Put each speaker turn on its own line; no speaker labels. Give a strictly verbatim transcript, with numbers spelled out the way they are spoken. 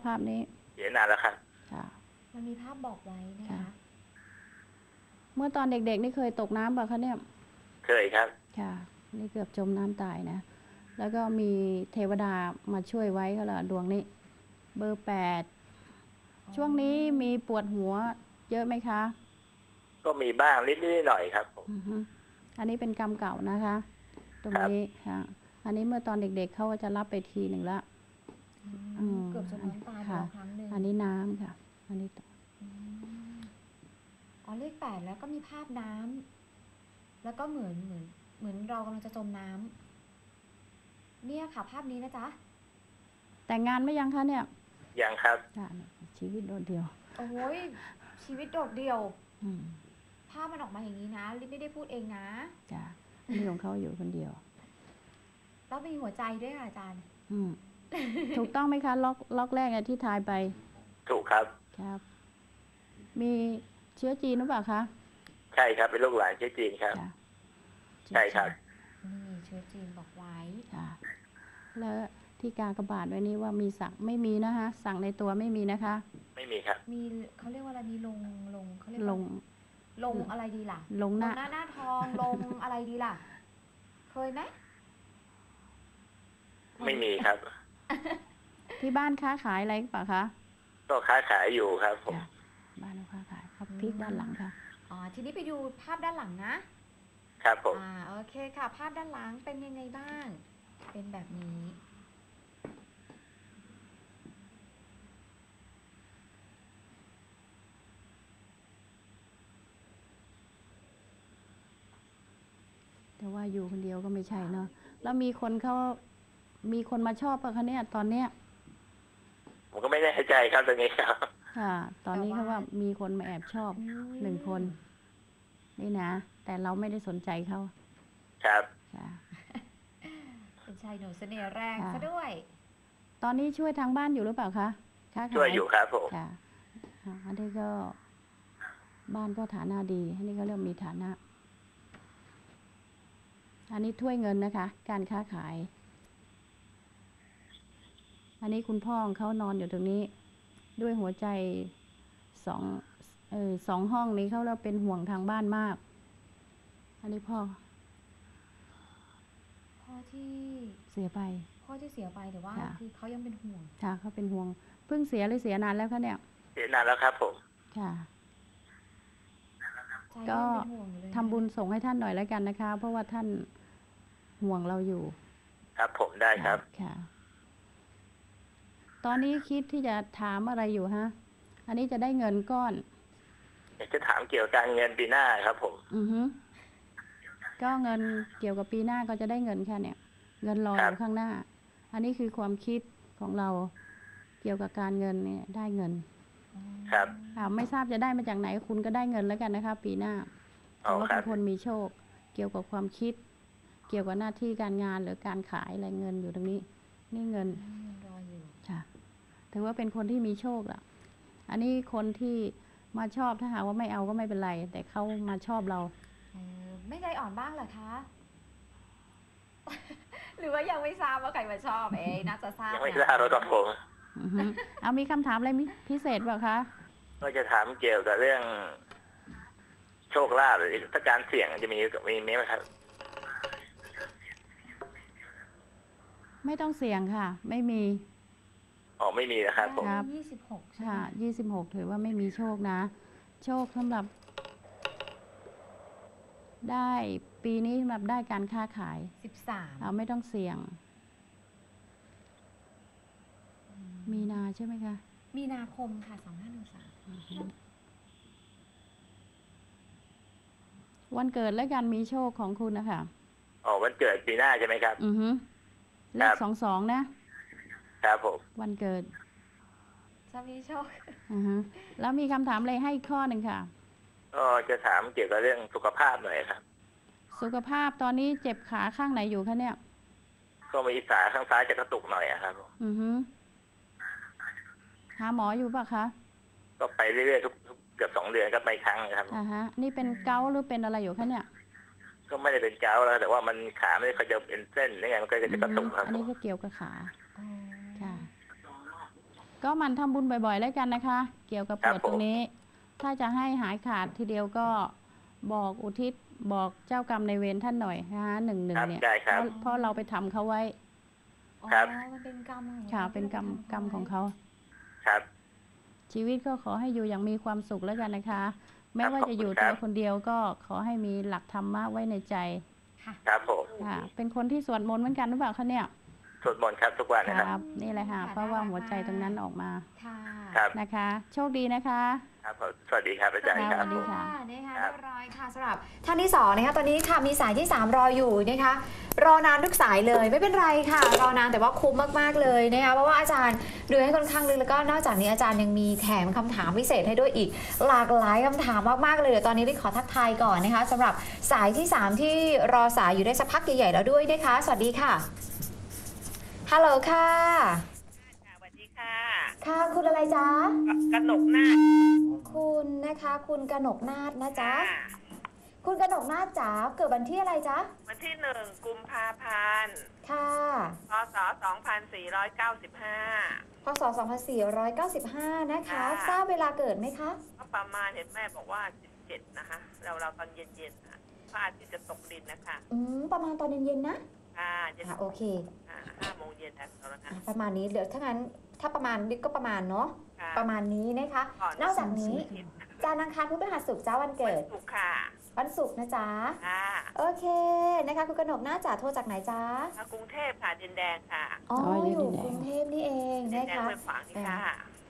ภาพนี้
เสียนานแล้วครับ
ค่ะ
มันมีภาพบอกไว้นะคะ
เมื่อตอนเด็กๆนี่เคยตกน้ำป่ะคะเนี่ย
เคยครับ
ค่ะนี่เกือบจมน้ำตายนะแล้วก็มีเทวดามาช่วยไว้ก็ละดวงนี้เบอร์แปดช่วงนี้มีปวดหัวเยอะไหมคะ
ก็มีบ้างนิดๆหน่อยครับผม
อันนี้เป็นกรรมเก่านะคะตรงนี้ค่ะอันนี้เมื่อตอนเด็กๆเขาก็จะรับไปทีหนึ่งละ
เกือบจมน้ำตายไปแล้วครั้งหนึ่ง
อันนี้น้ำค่ะอันนี้
อ๋อเลขแปดแล้วก็มีภาพน้ำแล้วก็เหมือนเหมือนเหมือนเรากำลังจะจมน้ำเนี่ยค่ะภาพนี้นะจ๊ะ
แต่งงานไม่ยังคะเนี่ย
ยังครับ
ชีวิตโดดเดี่ยว
โอ้ยชีวิตโดดเดี่ยวภาพมันออกมาอย่างนี้นะลิไม่ได้พูดเองนะ
จ้ะนี่ของเขาอยู่คนเดียว
แล้วมีหัวใจด้วยค่ะอาจารย์
ถูกต้องไหมคะล็อกล็อกแรกที่ทายไป
ถูกครับ
ครับมีเชื้อจีนหรือเปล่าคะ
ใช่ครับเป็นลูกหลานเชื้อจีนครับใช่ครับ
นี่เชื้อจีนบอกไว้
ค่ะแล้วที่กากบาทไว้นี้ว่ามีสั่งไม่มีนะคะสั่งในตัวไม่มีนะคะ
ไม่มีครับ
มีเขาเรียกว่าอะไรมีลงลงเขาเรียก
ลง
ลงอะไรดีล่ะ
ลงหน้า
หน้าหน้าทองลงอะไรดีล่ะเคยไหม
ไม่มีครับ
ที่บ้านค้าขายอะไรเปล่าคะ
ก็ค้าขายอยู่ครับผม
บ้านค้าขายครับพลิกด้านหลังค่ะ
อ๋อทีนี้ไปดูภาพด้านหลัง
นะครับผม
อ่าโอเคค่ะภาพด้านหลังเป็นยังไงบ้างเป็นแบบนี้
แต่ว่าอยู่คนเดียวก็ไม่ใช่เนาะแล้วมีคนเขามีคนมาชอบป่ะคะเนี่ยตอนเนี้ย
ผมก็ไม่แน่ใจครับตรงนี้ครับ
ค่ะตอนนี้เขาว่ามีคนมาแอบชอบหนึ่งคนนี่นะแต่เราไม่ได้สนใจเขา
ครับ
ค่ะ
เป็นชายหนุ่มเสน่ห์แรงซะด้วย
ตอนนี้ช่วยทางบ้านอยู่หรือเปล่าคะ
ช่วยอยู่ครับผม
ค่ะอันนี้ก็บ้านก็ฐานะดีอันนี้ก็เริ่มมีฐานะอันนี้ถ้วยเงินนะคะการค้าขายอันนี้คุณพ่อของเขานอนอยู่ตรงนี้ด้วยหัวใจสองเออสองห้องนี้เขาเราเป็นห่วงทางบ้านมากอันนี้พ่อ
พ่อที่
เสียไป
พ่อที่เสียไปแต่ว่าคือเขายังเป็นห่วง
ค่ะเขาเป็นห่วงเพิ่งเสียหรือเสียนานแล้วคะเนี่ย
เสียนานแล้วครับผม
ค่ะก็ทำบุญส่งให้ท่านหน่อยแล้วกันนะคะเพราะว่าท่านห่วงเราอยู่
ครับผมได้ครับ
ค่ะตอนนี้คิดที่จะถามอะไรอยู่ฮะอันนี้จะได้เงินก้อน
อยากจะถามเกี่ยวกับการเงินปีหน้าครับผม
อือฮึก็เงินเกี่ยวกับปีหน้าก็จะได้เงินแค่เนี่ยเงินรออยู่ข้างหน้าอันนี้คือความคิดของเราเกี่ยวกับการเงินเนี่ยได้เงิน
ครับ
ไม่ทราบจะได้มาจากไหนคุณก็ได้เงินแล้วกันนะคะปีหน้าเพราะว่าเป็นคนมีโชคเกี่ยวกับความคิดเกี่ยวกับหน้าที่การงานหรือการขายอะไรเงินอยู่ตรงนี้นี่เงิน
รออยู่
ค่ะถือว่าเป็นคนที่มีโชคอ่ะอันนี้คนที่มาชอบถ้าหากว่าไม่เอาก็ไม่เป็นไรแต่เขามาชอบเรา
เออไม่ใจอ่อนบ้างเหรอคะหรือว่ายังไม่ทราบว่าใครมาชอบเอ๊น่าจะทราบ
ยังไม่ทราบเราต้องผม
เอามีคำถามอะไรพิเศษเปล่าคะ
ก็จะถามเกี่ยวกับเรื่องโชคลาภหรือถ้าการเสี่ยงจะมีมีไหมครับ
ไม่ต้องเสี่ยงค่ะไม่มี
อ๋อไม่มีนะครับผม
ยี่สิบหก
ค่ะยี่สิบหกถือว่าไม่มีโชคนะโชคสำหรับได้ปีนี้สำหรับได้การค้าขาย
สิบสาม
เอาไม่ต้องเสี่ยงมีนาใช่ไหมคะ
มีนาคมค่ะสองห้าหนึ่งสาม
วันเกิดและการมีโชคของคุณนะคะ
อ๋อวันเกิดปีหน้าใช่ไหมครับ
อือฮึเลขสองสองนะครับ
ผม
วันเกิด
จะมีโชค
อือฮึแล้วมีคำถามอะไรให้ข้อหนึ่งค่ะ
ก็จะถามเกี่ยวกับเรื่องสุขภาพหน่อยครับ
สุขภาพตอนนี้เจ็บขาข้างไหนอยู่คะเนี่ย
ก็มีขาข้างซ้ายจะกระตุกหน่อยครับ
อือฮึหาหมออยู่ป่ะคะ
ก็ไปเรื่อยๆทุกเกือบสองเดือนก็ไปครั้งนะครับ
อ่าฮะนี่เป็นเกาต์หรือเป็นอะไรอยู่คะเนี่ย
ก็ไม่ได้เป็นเกาต์แล้วแต่ว่ามันขาไม่ได้เขาจะเป็นเส้นนี่ไงมันก็จะกระตุกครับ
อันนี้ก็เกี่ยวกับขาค่ะก็หมันทำบุญบ่อยๆแล้วกันนะคะ เกี่ยวกับปวดตรงนี้ ถ้าจะให้หายขาดทีเดียวก็บอกอุทิศบอกเจ้ากรรมในายเวรท่านหน่อยนะคะหนึ่งหนึ่ง
ครับ
เนี่ย
ได้ค
เพ
รับ
ราะเพราะเราไปทำเขาไว้
อ๋อ
ครับ
มันเป็นกรรมของ
ค่ะ
รา
เป็นกรรม
ที่
กรรมของเขา
ครับ
ชีวิตก็ขอให้อยู่อย่างมีความสุขแล้วกันนะคะ แม้ว่าจะอยู่
ขอบคุณครั
ตัว
บ
คนเดียวก็ขอให้มีหลักธรรมะไว้ในใจ
ค่ะ
ครับผม
ค่ะ เป็นคนที่สวดมนต์เหมือนกันหรือเปล่าคะเนี่ย
สวดมนต์ครับทุกวันนะครับ
ครับ นี่แหละค่ะ เพราะว่าหัวใจตรงนั้นออกมา
ค่ะ
ครับ
นะคะ โชคดีนะคะ
ครับผมสวัสดีครับอาจารย์
ค
ค
รั
รั
บบ สวัสดีค่ะ
นะคะ
ครั
เรี
บ
ยบร้อยค่ะสำหรับท่านที่สองนะคะตอนนี้ค่ะมีสายที่สามรออยู่นะคะ รอนานทุกสายเลยไม่เป็นไรค่ะ รอนานแต่ว่าคุ้มมากๆเลยนะคะเพราะว่าอาจารย์ดูให้ค่อนข้างลึกแล้วก็นอกจากนี้อาจารย์ยังมีแถมคำถามพิเศษให้ด้วยอีก หลากหลายคำถามมากๆเลยเดี๋ยวตอนนี้ได้ขอทักทายก่อนนะคะสำหรับสายที่สามที่รอสายอยู่ได้สักพักใหญ่ๆแล้วด้วยนะคะสวัสดีค่ะฮัลโหลค่ะ
ค่ะสวัสดีค่ะ
ค่ะคุณอะไรจ๊ะ
กนกหน้า
คุณนะคะคุณกนกนาฏนะจ๊ะ
ค่ะ
คุณกนกนาฏจ๋าเกิดวันที่อะไรจ๊ะ
วันที่หนึ่งกุมภาพันธ์
ค่ะ
พศสองพันสี่ร้อยเก้าสิบห้า
พศสองพันสี่ร้อยเก้าสิบห้านะคะ
ค่ะ
ทราบเวลาเกิดไหมคะ
ก็ประมาณเห็นแม่บอกว่าสิบเจ็ดนะคะ เราเราตอนเย็นๆนะพระอาทิตย์จะตกดินนะคะ
อืมประมาณตอนเย็นๆนะ
ค่ะเย็น
อ่ะโอเค
อ่าห้าโมงเย็นนะตอนนั้น
อ่ะประมาณนี้เดี๋ยวถ้างั้นถ้าประมาณนี้ก็ประมาณเนาะ
ค่ะ
ประมาณนี้นะคะ
ก่อน
นอกจากนี้
อาทิตย์
จานทร์อังคารพุธพฤหัสศุกร์จ้าวันเกิด
ถูกค่ะ
วันศุกร์นะจ๊ะ
ค่ะ
โอเคนะคะคุณกนกนาฏจ๋าโทรจากไหนจ๊ะ
มากรุงเทพค่ะดินแดงค่ะ
อ๋อ
อ๋อ
อ
อยู่
ยู่
ดินแดง
กรุงเทพนี่เอง
ดิน
นะ
แดง
คะ
เมืองฝางนี่ค่ะ